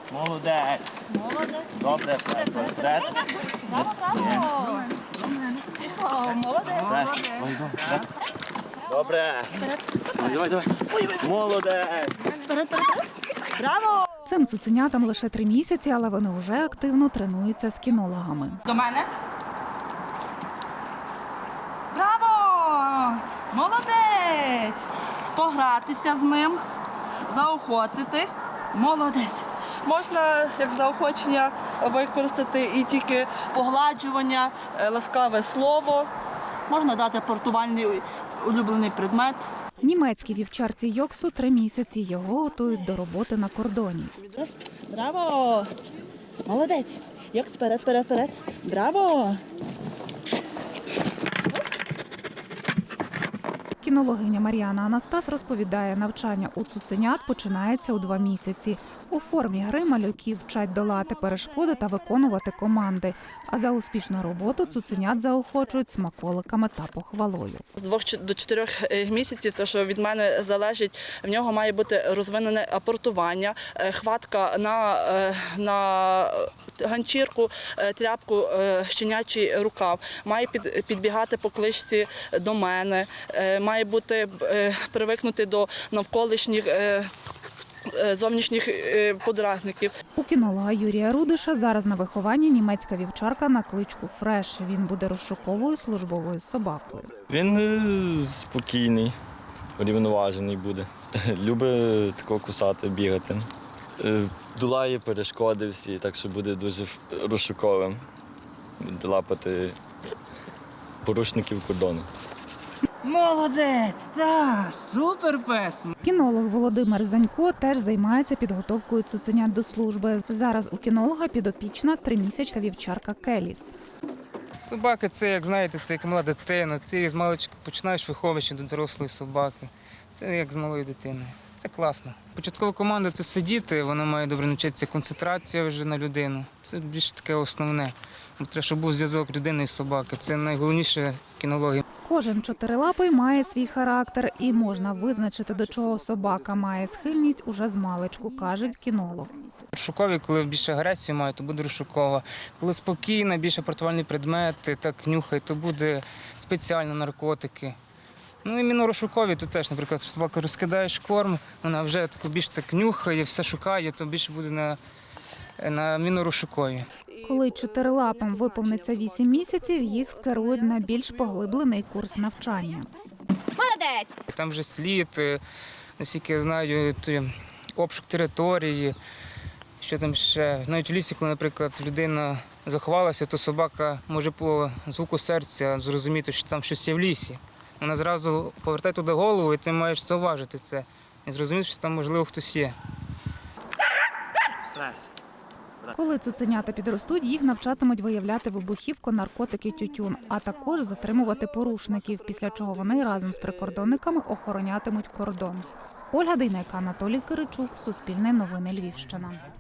Молодець. Добре, вперед. Молодець. Добре. Давай. Молодець. Браво! Цим цуценятам лише 3 місяці, але вони вже активно тренуються з кінологами. До мене. Браво! Молодець! Погратися з ним, заохотити. Молодець. Можна як заохочення використати і тільки погладжування, ласкаве слово. Можна дати портувальний улюблений предмет. Німецькій вівчарці Йоксу 3 місяці. Його готують до роботи на кордоні. Браво! Молодець! Йокс, вперед. Браво! Кінологиня Мар'яна Анастас розповідає, навчання у цуценят починається у 2 місяці. У формі гри малюки вчать долати перешкоди та виконувати команди. А за успішну роботу цуценят заохочують смаколиками та похвалою. З 2 до 4 місяців, те, що від мене залежить, в нього має бути розвинене апортування, хватка на ганчірку, тряпку, щенячий рукав, має підбігати по кличці до мене, має бути привикнути до навколишніх зовнішніх подразників. У кінолога Юрія Рудиша зараз на вихованні німецька вівчарка на кличку Фреш. Він буде розшуковою службовою собакою. Він спокійний, рівноважений буде. Любить тако кусати, бігати. Долає перешкоди всі, так що буде дуже розшуковим. Буде лапати порушників кордону. Молодець! Так, супер пес! Кінолог Володимир Занько теж займається підготовкою цуценят до служби. Зараз у кінолога підопічна 3-місячна вівчарка Келіс. Собака – це, як знаєте, це як мала дитина. Ти з маличку починаєш виховувати до дорослої собаки. Це як з малою дитиною. Це класно. Початкова команда – це сидіти, вона має добре навчитися, концентрація вже на людину. Це більш таке основне. Треба, щоб був зв'язок людини і собаки. Це найголовніше в кінології. Кожен чотирилапий має свій характер і можна визначити, до чого собака має схильність уже з маличку, каже кінолог. Розшукові, коли більше агресію має, то буде розшукова. Коли спокійна, більше портувальні предмети, так нюхає, то буде спеціально наркотики. Ну і мінорозшукові, то теж, наприклад, собака розкидаєш корм, вона вже більш так нюхає, все шукає, то більше буде на мінорозшукові. Коли чотирилапам виповниться 8 місяців, їх скерують на більш поглиблений курс навчання. Молодець! Там вже слід, наскільки я знаю, обшук території, що там ще. Навіть в лісі, коли, наприклад, людина заховалася, то собака може по звуку серця зрозуміти, що там щось є в лісі. Вона зразу повертає туди голову, і ти маєш зауважити це. І зрозуміти, що там, можливо, хтось є. Коли цуценята підростуть, їх навчатимуть виявляти вибухівку, наркотики, тютюн, а також затримувати порушників, після чого вони разом з прикордонниками охоронятимуть кордон. Ольга Дейнека, Анатолій Киричук, Суспільне новини, Львівщина.